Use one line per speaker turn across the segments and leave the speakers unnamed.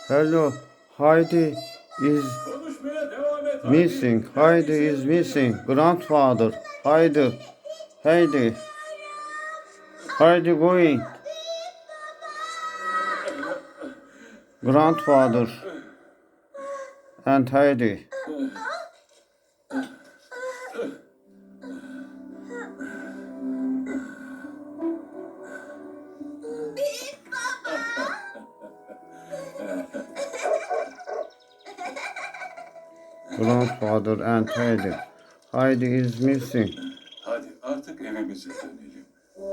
Hello, Heidi is
Konuşmaya devam et.
missing. Heidi is missing. Grandfather. Heidi. Heidi. Heidi going. Grandfather and Heidi. Grandfather and Heidi. Heidi is missing.
Hadi artık evimize dönelim.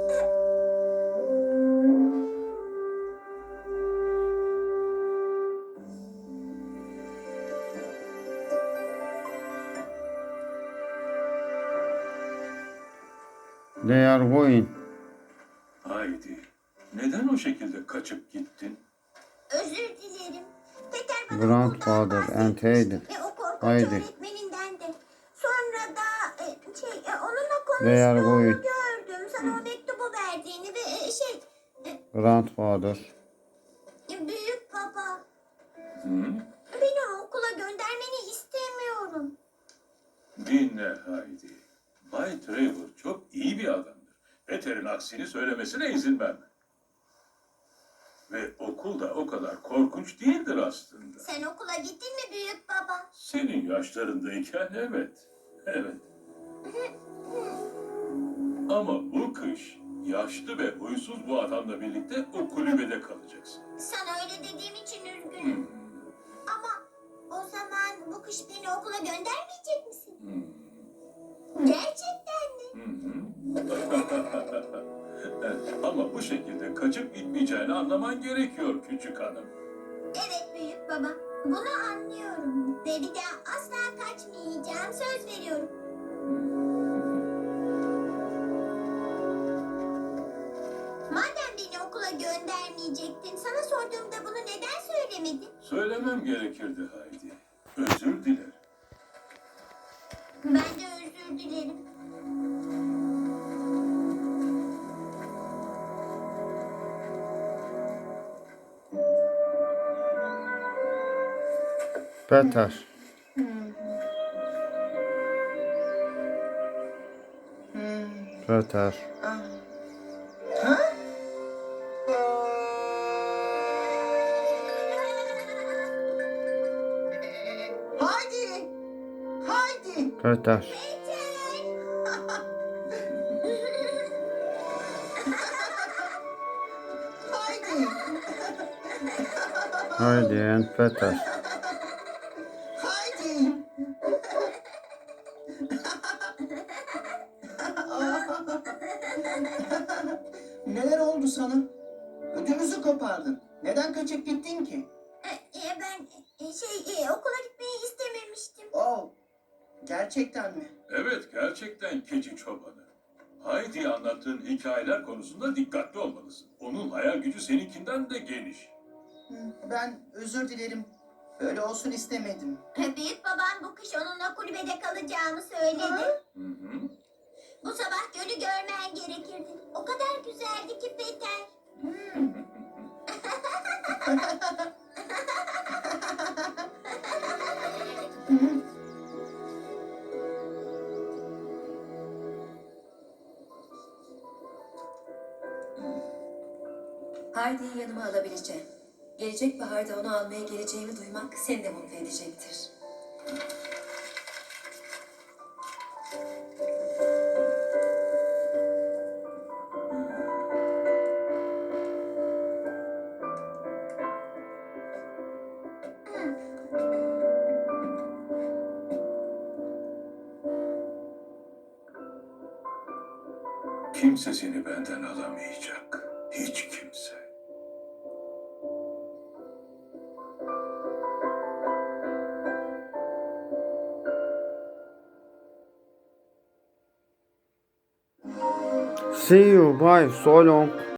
They are going.
Haydi. Neden o şekilde kaçıp gittin?
Özür dilerim. Peter bana
Grandfather
okuldan
and Heidi.
bahsetmişti ve o korkunç
Heidi.
öğretmeninden de. Sonra da onunla
They are
konuştuğunu
going.
gördüm. Sana o mektubu verdiğini ve
Grandfather.
büyük baba.
Hı?
Beni okula göndermeni istemiyorum.
Dinle Haydi. Bay Trevor çok iyi bir adamdır. Peter'in aksini söylemesine izin verme. Ve okul da o kadar korkunç değildir aslında.
Sen okula gittin mi büyük baba?
Senin yaşlarındayken evet. Evet. Ama bu kış yaşlı ve huysuz bu adamla birlikte o kulübede kalacaksın.
Sana öyle dediğim için üzgünüm. Ama o zaman bu kış beni okula göndermeyecek misin? Gerçekten mi?
Ama bu şekilde kaçıp gitmeyeceğini anlaman gerekiyor küçük hanım.
Evet büyük baba. Bunu anlıyorum. Ve bir daha asla kaçmayacağım. Söz veriyorum. Madem beni okula göndermeyecektin, sana sorduğumda bunu neden söylemedin?
Söylemem gerekirdi Haydi. Özür dilerim.
Ben de özür dilerim.
Peter. Peter.
Haydi! Haydi!
Peter.
Haydi!
Heidi and Peter.
Haydi! Neler oldu sana? Ödümüzü kopardın. Neden kaçıp gittin ki?
Ben okula gitmeyi istememiştim.
Oh, gerçekten mi?
Evet, gerçekten keçi çobanı. Haydi'ye anlattığın hikayeler konusunda dikkatli olmalısın. Onun hayal gücü seninkinden de geniş.
Ben özür dilerim. Böyle olsun istemedim.
Büyük babam bu kış onunla kulübede kalacağımı söyledi.
Hı hı.
Bu sabah gölü görmen gerekirdi. O kadar güzeldi ki Peter.
Heidi'yi yanıma alabileceğim. Gelecek baharda onu almaya geleceğimi duymak seni de mutlu edecektir.
Kimse seni benden alamayacak. Hiç kimse.
See you. Bye. So long.